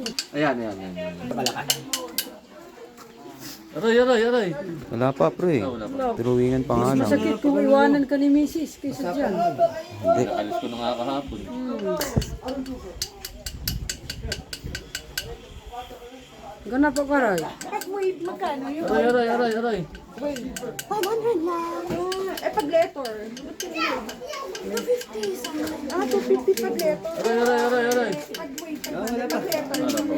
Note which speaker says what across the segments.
Speaker 1: Ayan. Aray.
Speaker 2: Wala pa, pre. Drawingan pa nga lang.
Speaker 3: Masakit kung iwanan ka ni Mrs. kaysa dyan.
Speaker 2: Hindi.
Speaker 1: Alis ko na nga kahapon.
Speaker 3: Gana pa karay.
Speaker 4: Pag-wave, magkano yun?
Speaker 1: Aray.
Speaker 4: 500 lang. Eh, pag letter. 250. 250 pag letter.
Speaker 1: Aray.
Speaker 4: Pag-wave, pag letter.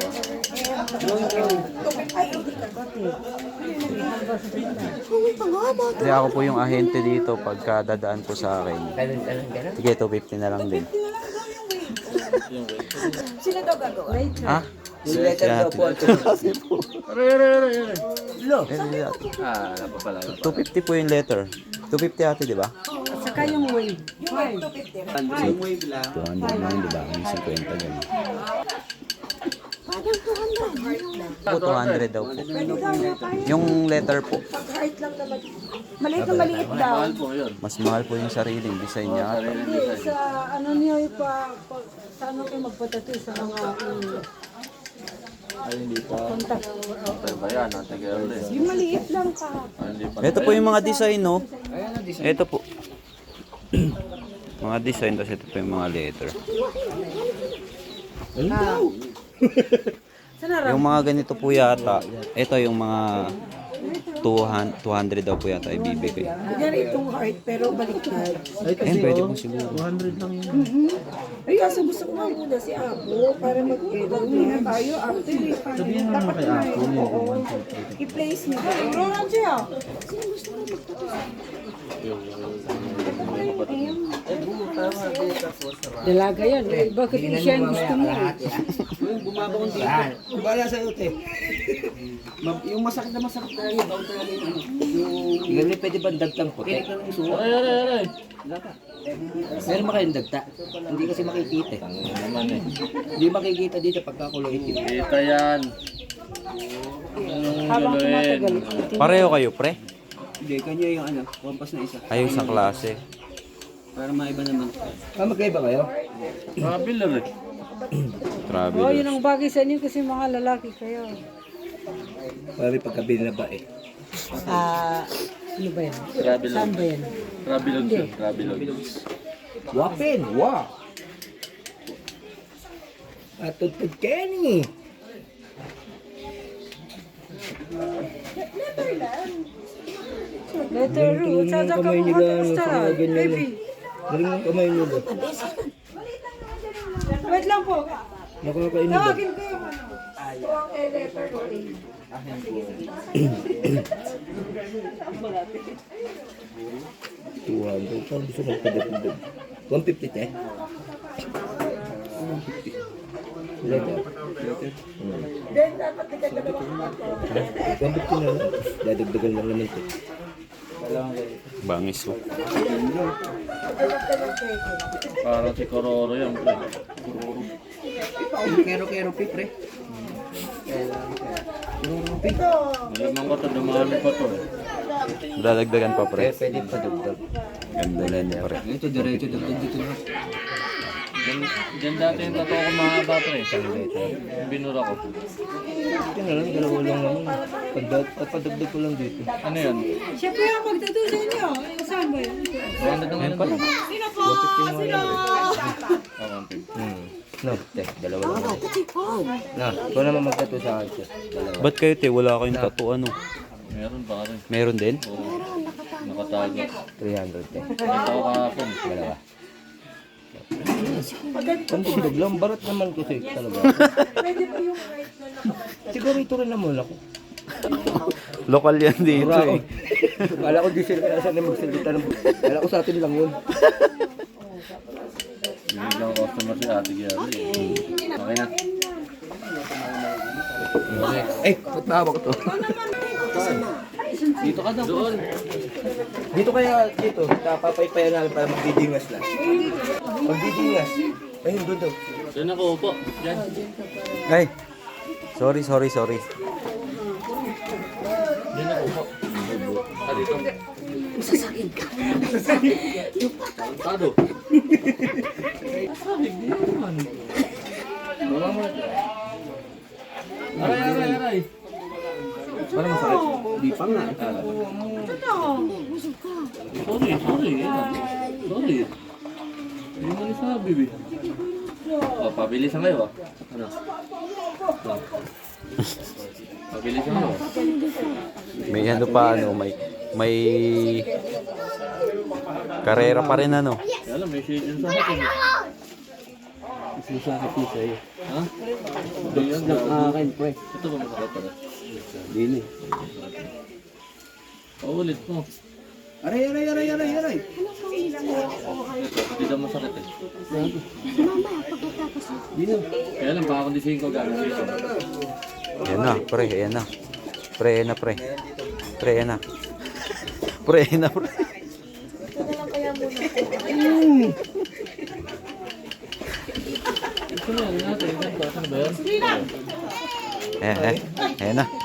Speaker 4: Ay, hindi ka.
Speaker 2: Hindi ako po yung ahente dito pagka dadaan po sa akin. Sige, 250 na lang din.
Speaker 4: Sino daw gagawa?
Speaker 2: Ha? Si letter daw po.
Speaker 1: Aray. Wala pa pala.
Speaker 2: 250 po yung letter. 250 ate, di ba?
Speaker 3: At saka yung wave.
Speaker 4: Yung 250.
Speaker 2: 200 lang, di ba? Yung 50 ganun.
Speaker 4: Parang 200.
Speaker 2: Po, 200 daw po. Yung letter po.
Speaker 4: Pag-heart lang naman. Maliit na maliit daw.
Speaker 1: Mahal po yun.
Speaker 2: Mas mahal po yung sariling design niya.
Speaker 3: Hindi, sa ano niyo sa ano kayo magpatato sa mga
Speaker 1: Ay, hindi pa.
Speaker 3: contact.
Speaker 1: Okay ba yan? Ate Gerle.
Speaker 4: Yung maliit lang ka.
Speaker 1: Ay, hindi pa.
Speaker 2: Ito po yung mga design, no? Ito po. Mga design, tapos ito po yung mga letter. Yung mga ganito po yata, ito yung mga 200 daw po yata ibibigay.
Speaker 4: Kunyari itong heart, pero baliktad.
Speaker 2: Ayun, pwede po siguro.
Speaker 4: Ay, kaso gusto ko nga muna si Apo para mag-edit niya tayo after. Sabihin mo naman kay Apo. I-place niya. Ronan siya. Sino gusto mo magtapos?
Speaker 3: Dalaga yan. Eh, bakit siya ang gusto mo?
Speaker 5: Bumabakong dito. Bala sa ute. Yung masakit na yung bawang talaga yung ano. Yung...
Speaker 6: Ganun pwede ba dagtang puti?
Speaker 1: Aray.
Speaker 6: Meron ba kayong dagta? Hindi kasi makikita eh.
Speaker 1: Naman eh.
Speaker 6: Hindi makikita dito pagkakulay itim.
Speaker 1: Kita yan.
Speaker 3: Habang tumatagal.
Speaker 2: Pareho kayo, pre?
Speaker 5: Hindi, kanya yung ano, kompas na isa.
Speaker 2: Ayaw sa klase.
Speaker 5: Para maiba naman.
Speaker 6: Magkaiba kayo?
Speaker 1: Traveler eh.
Speaker 3: Oh,
Speaker 2: Traveler.
Speaker 3: yun ang bagay sa inyo kasi mga lalaki kayo.
Speaker 6: Pari pagkabili na ba eh.
Speaker 3: Ano ba yan?
Speaker 1: Traveler.
Speaker 3: Saan ba yan?
Speaker 1: Travelog.
Speaker 6: Wapin! Wow! Atutod Kenny!
Speaker 3: Letter root. Sada ka mo ka baby.
Speaker 6: Galing ang kamay niyo ba?
Speaker 3: Wait lang po.
Speaker 6: Nakakainin ba?
Speaker 3: Tawagin ko yung ano.
Speaker 4: Tuwang letter ko eh.
Speaker 6: Tuwan. Saan gusto magpadagdag? 150 te? 150. Letter.
Speaker 4: Then, dapat nagdadalawa ka pa.
Speaker 6: 150 na lang. Dadagdagan lang naman ito.
Speaker 2: Bangis po.
Speaker 1: Para si Kororo yan, pre.
Speaker 6: Kero-kero pi, pre.
Speaker 1: Malamang ko ito, dumami pa to.
Speaker 2: Dadagdagan pa, pre.
Speaker 6: Pwede pa dagdag.
Speaker 2: Ganda na niya, pre.
Speaker 5: Ito, diretso dagdag dito na.
Speaker 1: Diyan dati yung totoo ko mahaba, pre. Yung binura ko.
Speaker 6: Yan na lang, dalawa lang naman. Padagdag ko lang dito.
Speaker 1: Ano yan?
Speaker 3: Siya po yung magtato sa inyo. Saan ba yun?
Speaker 1: Ganda naman
Speaker 2: Ayun pala.
Speaker 3: Sino po? Sino?
Speaker 6: No, te, dalawa lang. Na, ikaw naman magtato sa akin. Sir. Dalawa.
Speaker 2: Ba't kayo, te? Wala kayong tattoo, ano?
Speaker 1: Meron pa rin.
Speaker 2: Meron din?
Speaker 1: Oo. Nakatago.
Speaker 6: 300 te.
Speaker 1: Ito ako kahapon.
Speaker 6: Dalawa. Ang dagdag lang, barat naman kasi talaga. Siguro ito rin naman ako.
Speaker 2: Lokal yan dito, eh.
Speaker 6: Kala ko di sila kaya saan na magsalita ng... Kala ko sa atin lang yun.
Speaker 1: Hindi lang customer si Ate Gerle. Okay na.
Speaker 6: Ba't ba ko to?
Speaker 1: Dito ka daw. Doon.
Speaker 6: Dito kaya, dito. Papaypayan namin para magdidingas lang. Magdidingas. Ayun, doon daw.
Speaker 1: Doon ako upo. Diyan.
Speaker 2: Ay! Sorry.
Speaker 1: Diyan ako upo. Dito.
Speaker 4: Sasakit ka.
Speaker 1: Tado. Aray.
Speaker 5: Parang masakit. Di pa nga.
Speaker 1: Sorry. Sorry. Hindi mo nasabi, baby. Oh, pabilisan kayo, ah. Ano? Oh. Pabilisan kayo.
Speaker 2: May ano pa, ano, may karera pa rin, ano.
Speaker 1: Kaya lang, may shade yun sa akin.
Speaker 5: Masakit mo sa'yo.
Speaker 1: Ha? Hindi yan.
Speaker 5: Nakakain, pre.
Speaker 1: Ito ba masakit pala?
Speaker 5: Dini.
Speaker 1: Paulit mo.
Speaker 5: Aray.
Speaker 1: Ito, hindi daw masakit eh.
Speaker 5: Dino.
Speaker 1: Kaya lang, pakakondisihin ko gano'n.
Speaker 2: Ayan na, pre, ayan na. Pre, ayan na, pre. Pre, ayan na. Pre, ayan na, pre.
Speaker 1: Ito na, natin. Saan ba yan?
Speaker 2: Ayan na.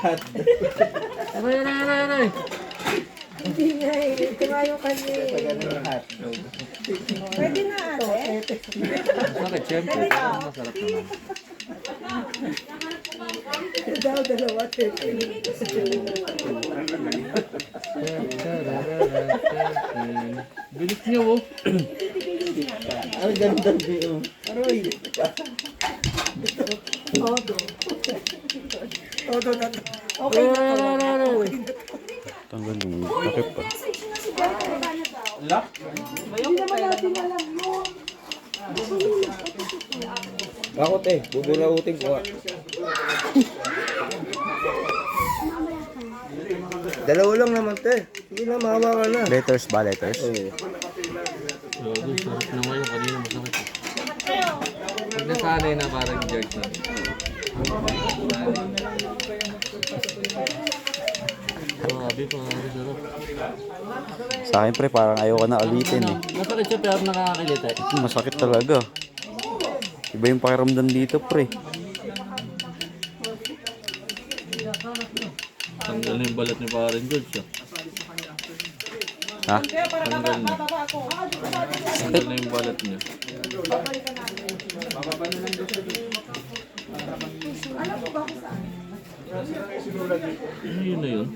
Speaker 1: Aray.
Speaker 4: Hindi nga eh. Ito nga yung kanya eh. Pwede na ate.
Speaker 1: Masakit, syempre. Masarap naman.
Speaker 4: Daw, dalawa.
Speaker 1: Bilis niyo, oh.
Speaker 5: Ang ganda niyo. Aroy.
Speaker 4: Okay na.
Speaker 2: Tanggal yung takip pa.
Speaker 4: Hindi naman natin alam mo.
Speaker 6: Ako te, bubulautin ko nga. Dalawa lang naman te. Sige na, mahawa ka na.
Speaker 2: Letters ba, letters?
Speaker 6: Oo.
Speaker 1: Sarap na ngayon, kanina masakit eh. Pag nasanay na parang George na. Grabe, sarap.
Speaker 2: Sa akin, pre, parang ayoko na ulitin eh.
Speaker 1: Masakit siya pero nakakakilita eh.
Speaker 2: Masakit talaga. Iba yung pakiramdam dito, pre.
Speaker 1: Tanggal na yung balat ni parang George ah.
Speaker 2: Ha?
Speaker 1: Tanggal na. Tanggal na yung balat niya. Yun na yun.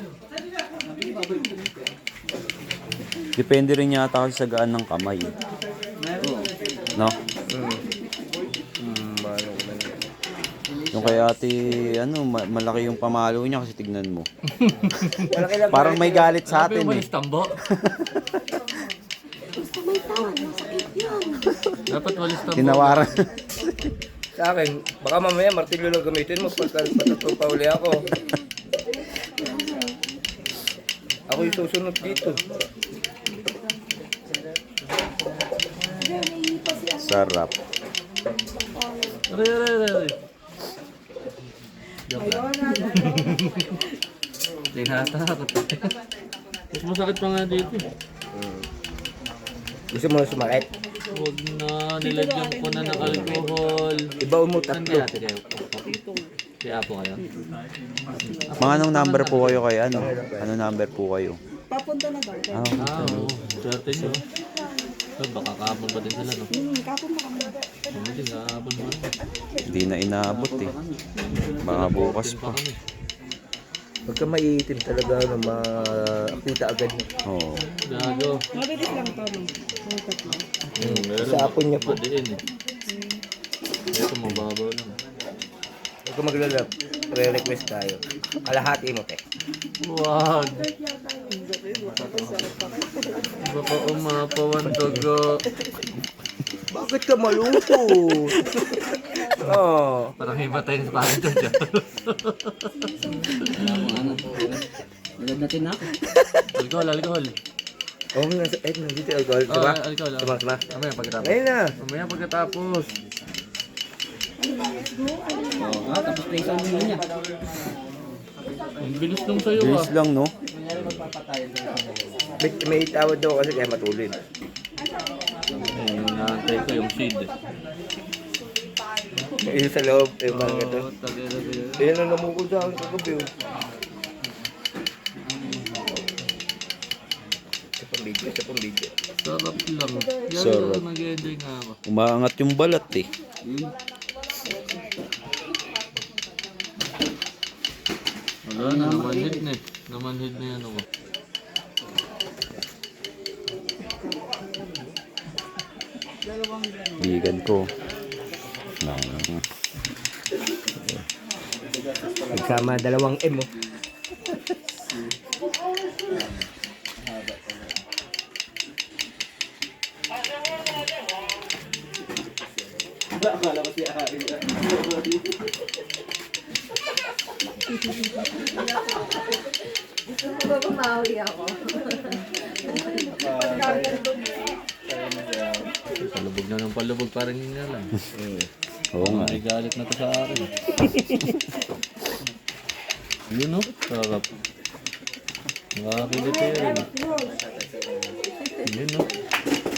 Speaker 2: Depende rin yata kasi sa gaan ng kamay. No? Yung kay ate, ano, malaki yung pamalo niya kasi tignan mo. Parang may galit sa
Speaker 1: Sabi
Speaker 2: atin
Speaker 1: mo
Speaker 2: eh.
Speaker 1: malis tambo. Dapat walis tambo.
Speaker 2: Tinawaran.
Speaker 6: Sa akin, baka mamaya martilyo lang gamitin mo pagkatapos pa uli ako. Ako yung susunod dito.
Speaker 2: Sarap.
Speaker 1: Aray. Joke lang. Tinatakot. Mas masakit pa nga dito eh.
Speaker 6: Gusto mo na sumakit?
Speaker 1: Huwag na, nilagyan ko na ng alcohol.
Speaker 6: Ibaw mo
Speaker 1: Saan
Speaker 6: tatlo.
Speaker 1: kaya ate kayo? Kaya po kayo?
Speaker 2: Mga anong number po kayo kay ano? Anong number po kayo?
Speaker 4: Papunta na daw.
Speaker 1: Oo. Swerte nyo. Baka kahapon pa din sila, no?
Speaker 4: Kapon mo kami.
Speaker 1: Hindi, kahapon mo.
Speaker 2: Hindi na inaabot eh. Baka bukas pa.
Speaker 1: kami.
Speaker 6: Pagka maiitim talaga, ano, makita agad mo.
Speaker 2: Oo.
Speaker 1: Gago.
Speaker 4: Mabilis lang to. No?
Speaker 6: Sa apon niya po.
Speaker 1: Madiin eh. Ito, mababaw lang.
Speaker 6: Huwag ka maglalap. Re-request tayo. Kalahati mo, te.
Speaker 1: Wag. Baka umapawan dugo.
Speaker 6: Bakit ka malungkot? Oh.
Speaker 1: Parang may matay na parang ito dyan.
Speaker 5: Nagad natin na ako.
Speaker 1: Alcohol.
Speaker 6: Oh, nandito alcohol. Diba?
Speaker 1: Alcohol.
Speaker 6: Sama.
Speaker 1: Mamaya pagkatapos.
Speaker 6: Ngayon na.
Speaker 1: Mamaya pagkatapos.
Speaker 5: Tapos na isang muna niya.
Speaker 1: Ang bilis nung sa'yo ah.
Speaker 2: Bilis lang, no?
Speaker 6: May tawad daw kasi kaya matulid.
Speaker 1: Yung naantay ko yung shade eh.
Speaker 6: Yung sa loob, yung parang ito.
Speaker 1: Tagay.
Speaker 6: Ayan ang namukul sa akin kagabi. Oh. Isa pang video.
Speaker 1: Sarap lang.
Speaker 2: Sarap.
Speaker 1: Nag-enjoy nga ako.
Speaker 2: Umaangat yung balat eh.
Speaker 1: Wala na, namanhid na eh. Namanhid na yan ako.
Speaker 2: Bigan ko.
Speaker 6: Nagsama 2 M oh.
Speaker 5: Akala ko siya Ari.
Speaker 4: Gusto mo ba bumawi ako?
Speaker 1: Palubog na ng palubog, parang yun nga lang.
Speaker 2: Oo nga.
Speaker 1: May galit na to sa akin. Yun o, sarap. Nakakilit yun. Yun o.